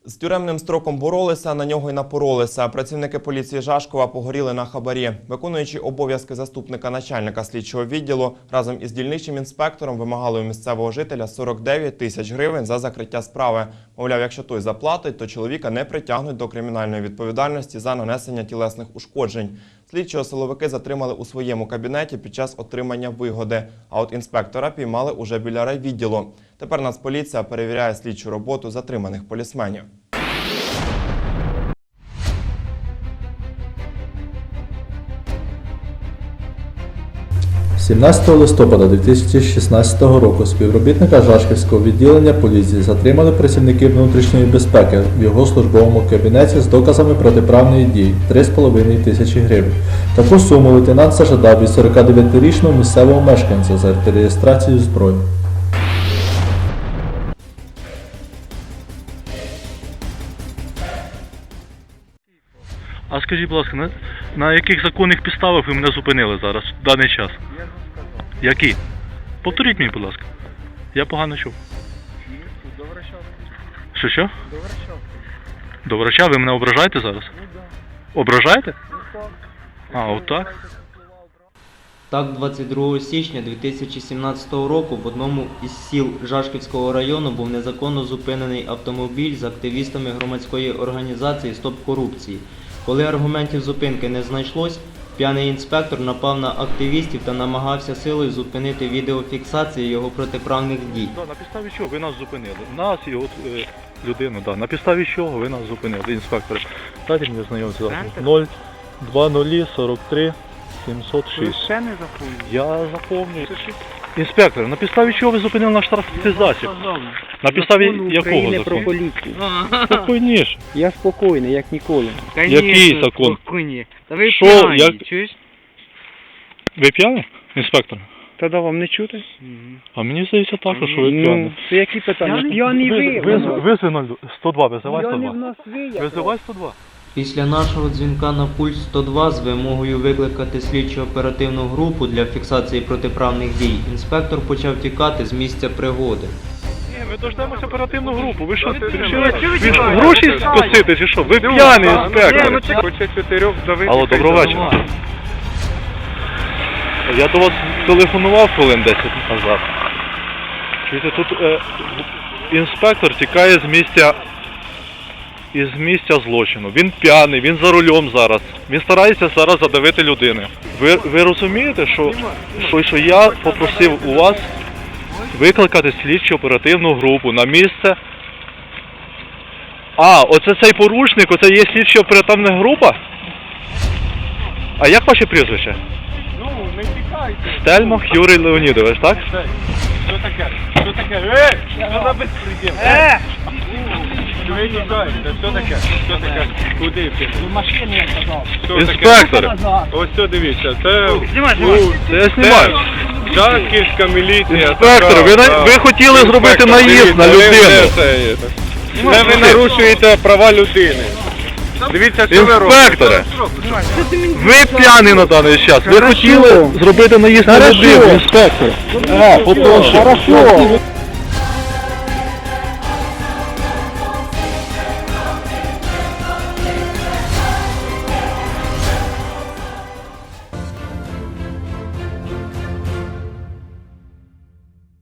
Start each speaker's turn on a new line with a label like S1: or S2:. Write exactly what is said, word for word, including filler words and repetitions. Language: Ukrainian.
S1: З тюремним строком боролися, на нього й напоролися. Працівники поліції Жашкова погоріли на хабарі. Виконуючи обов'язки заступника начальника слідчого відділу, разом із дільничним інспектором вимагали у місцевого жителя сорок дев'ять тисяч гривень за закриття справи. Мовляв, якщо той заплатить, то чоловіка не притягнуть до кримінальної відповідальності за нанесення тілесних ушкоджень. Слідчого силовики затримали у своєму кабінеті під час отримання вигоди, а от інспектора піймали уже біля райвідділу. Тепер Нацполіція перевіряє слідчу роботу затриманих полісменів.
S2: сімнадцятого листопада дві тисячі шістнадцятого року співробітника Жашківського відділення поліції затримали працівники внутрішньої безпеки в його службовому кабінеті з доказами протиправної дії – три з половиною тисячі гривень. Таку суму лейтенант зажадав від сорокадев'ятирічного місцевого мешканця за реєстрацію зброї.
S3: А скажіть, будь ласка, на, на яких законних підставах ви мене зупинили зараз, в даний час?
S4: Я ж вам сказав.
S3: Які? Повторіть мені, будь ласка. Я погано чув.
S4: До Врачавки.
S3: Що, що?
S4: До Врачавки.
S3: До врача ви мене ображаєте зараз?
S4: Ну да.
S3: Ображаєте?
S4: Ну так.
S3: А, отак?
S5: Так, двадцять другого січня дві тисячі сімнадцятого року в одному із сіл Жашківського району був незаконно зупинений автомобіль з активістами громадської організації «Стоп корупції». Коли аргументів зупинки не знайшлось, п'яний інспектор напав на активістів та намагався силою зупинити відеофіксацію його протиправних дій.
S3: Да, на підставі чого ви нас зупинили? Нас і от е, людину, да. На підставі чого ви нас зупинили, інспектор? Дайте мені знайомці зараз. нуль два нуль сорок три сімсот
S4: Ви
S3: шість.
S4: ще не заповнили?
S3: Я запомню. Інспектор, на підставі чого ви зупинили наш транспортний засіб? На підставі якого
S4: про
S3: закону?
S4: поліцію.
S3: Спокійніше.
S4: Я спокійний, як ніколи.
S3: Який закон?
S4: Спокійні. Та ви
S3: Що,
S4: п'яні,
S3: як-
S4: чуєш?
S3: Ви п'яні, інспектор?
S4: Та да вам не чути?
S3: А мені здається також, що ви
S4: Ну,
S3: п'яні.
S4: це які питання? Я не ви.
S3: Визви сто два, визивай
S4: Я
S3: сто
S4: не в
S3: два.
S4: нас ви.
S3: Визивай сто два.
S5: Після нашого дзвінка на пульс сто два з вимогою викликати слідчо-оперативну групу для фіксації протиправних дій, інспектор почав тікати з місця пригоди.
S3: Ні, ми дождемося оперативну групу. Ви що, вирішили
S4: ви
S3: ви
S4: тікаєте?
S3: гроші скосити чи що? Ви п'яний, інспектор.
S4: Хоче чотирьох давити.
S3: Алло, доброго вечора. Я до вас телефонував хвилин десять назад. Чуєте, тут е, інспектор тікає з місця із місця злочину. Він п'яний, він за рулем зараз. Він старається зараз задавити людину. Ви, ви розумієте, що, що, що я попросив у вас викликати слідчу оперативну групу на місце. А, оце цей порушник, оце є слідчо оперативна група? А як ваше прізвище?
S4: Ну, не тікайте.
S3: Стельмах Юрій Леонідович, так?
S4: Що таке? Що таке? Ей! Що за безпреділ? Е! Ви тікаєте. Що таке? Що таке? Куди ти? До машини я казав.
S3: Інспектор!
S6: Ось це дивіться, це,
S4: Знімай,
S6: ну,
S4: знімай.
S3: Це я знімаю.
S6: Жашківська міліція.
S3: Інспектор, ви, на- ви хотіли зробити наїзд на людину.
S6: Це, це ви нарушуєте права людини. Дивіться, що ви робите.
S3: Інспекторе, ви п'яний на даний час. Ви хотіли зробити наїзд на людину, інспектор. А, попрошу.